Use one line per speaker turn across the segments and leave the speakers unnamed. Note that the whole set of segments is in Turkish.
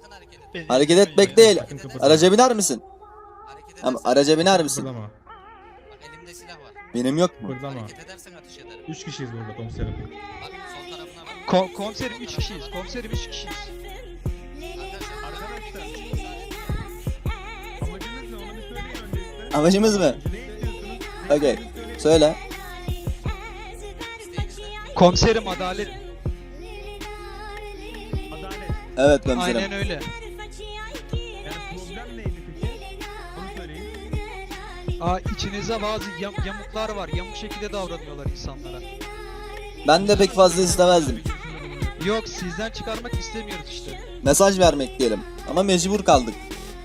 Sakın hareket etme.
Hareket etmek değil.
Sakın kıpırdama.
Araca biner misin?
Hareket
Ama
edersen
araca biner misin?
Kıpırdama.
bak elimde silah var.
Benim yok mu?
Kıpırdama.
Hareket edersen ateş ederim.
3 kişiyiz burada komiserim.
Bak sol tarafına bak.
Komiserim 3 kişiyiz. Komiserim 3 kişiyiz.
Arkadaşlar
Amacınız ne? Onu bir söyleyin öncelikle.
Amacımız mı?
Ne istiyorsunuz?
Okey. Söyle.
isteğiniz ne?
Komiserim adalet.
Adalet.
Evet komiserim.
Aynen öyle.
Yani problem neydi peki? Onu söyleyin.
İçinizde bazı yamuklar var. Yamuk şekilde davranıyorlar insanlara.
Ben de pek fazla istemezdim.
Yok sizden çıkarmak istemiyoruz işte.
Mesaj vermek diyelim. Ama mecbur kaldık.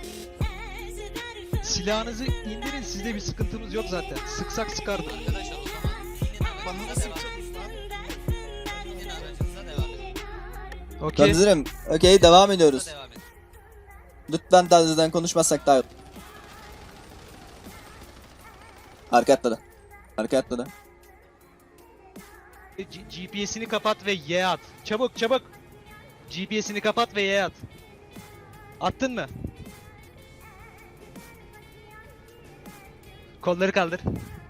Silahınızı indirin, sizde bir sıkıntımız yok zaten. Sıksak sıkardık.
Arkadaşlar o zaman inin aracınıza devam edin. İnin aracınıza devam edin.
Okey.
Komiserim. Okey devam ediyoruz.
Devam edin.
Lütfen telsizden konuşmazsak daha iyi. Arka atladı. Arka atladı.
GPS'ini kapat ve Y at. Çabuk çabuk. GPS'ini kapat ve Y at. Attın mı? Kolları kaldır.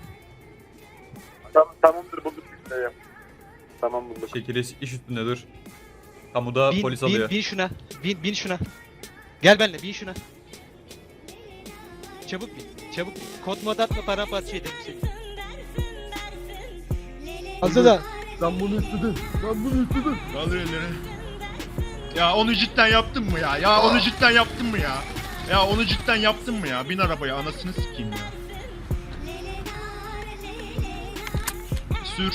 Tamamdır bulduk biz de. Tamam bulduk.
Şekeri iş üstünde dur. Kamuda polis alıyor.
Bin şuna. Bin şuna. Gel benimle bin şuna. Çabuk bin. Çabuk bin. Kod mod atma paramparça edelim seni. Hazır da.
Ben bunu istedim.
Kaldır elleri. Ya onu cidden yaptın mı ya? Ya onu cidden yaptın mı ya? Ya onu cidden yaptın mı ya? Bin arabaya anasını sikeyim ya. Sür.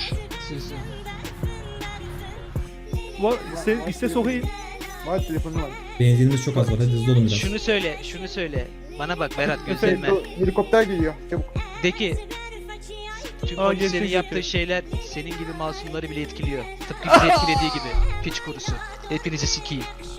Sen iste sokayım.
Var telefonu var.
Benzinimiz çok az var. Hadi hızlı olun biraz.
Şunu söyle. Bana bak Berat gözlerime.
Helikopter geliyor. Çabuk.
De ki tüm
Aa,
polislerin
gerçek
yaptığı
yapıyor.
şeyler senin gibi masumları bile etkiliyor. Tıpkı bizi etkilediği gibi. Piç kurusu. Hepinizi sikeyim.